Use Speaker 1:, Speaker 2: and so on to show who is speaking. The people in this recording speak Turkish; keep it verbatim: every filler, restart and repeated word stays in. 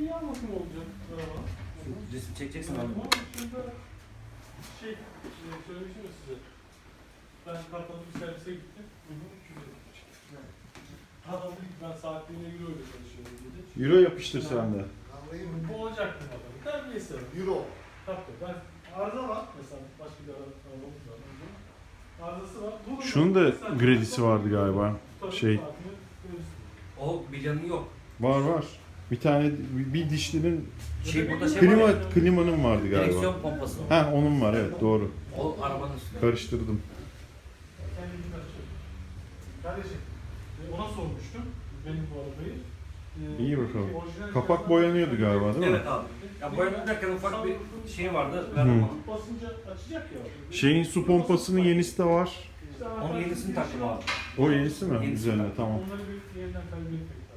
Speaker 1: Bir yan bakım olacak. Araba.
Speaker 2: Resim çekeceksin abi.
Speaker 1: Ama şurada şey, e, söylemiştim ya size. Ben kapalı bir servise gittim. iki yüz elli çıktı. Adam dedi ki ben saatliğine euro ile çalışıyorum dedi.
Speaker 3: Euro yapıştır sen de.
Speaker 1: Bu olacaktı bakalım. Terbiyesi var.
Speaker 4: Euro.
Speaker 1: Tabii ben arıza var mesela başka bir ara- arabamız var. Arızası var. Bu
Speaker 3: Şunun da gredisi vardı galiba. Şey.
Speaker 2: O bilyanı yok.
Speaker 3: Var var. Bir tane bir dişlinin
Speaker 2: Şey burada şey
Speaker 3: klima
Speaker 2: var ya,
Speaker 3: klimanın vardı galiba.
Speaker 2: direksiyon pompası.
Speaker 3: Ha onun var evet doğru.
Speaker 2: O arabanın üstünde.
Speaker 3: Karıştırdım.
Speaker 1: Kendini açıyor. Kardeşim e, ona sormuştum benim bu arabayı. E,
Speaker 3: İyi bakalım.
Speaker 1: orijinal
Speaker 3: Kapak
Speaker 1: fiyatlar-
Speaker 3: boyanıyordu galiba değil mi?
Speaker 2: Evet abi. Ya boyanı derken ufak bir şey vardı. Ben
Speaker 3: Hı.
Speaker 2: onu.
Speaker 1: Basınca açacak ya.
Speaker 3: Şeyin su pompasının yenisi de var.
Speaker 1: İşte
Speaker 2: Onun yenisini taktım abi.
Speaker 3: O yenisi mi?
Speaker 2: Yenisi
Speaker 3: Üzerine
Speaker 2: var.
Speaker 3: tamam.
Speaker 1: Onları bir yeniden kaybetmek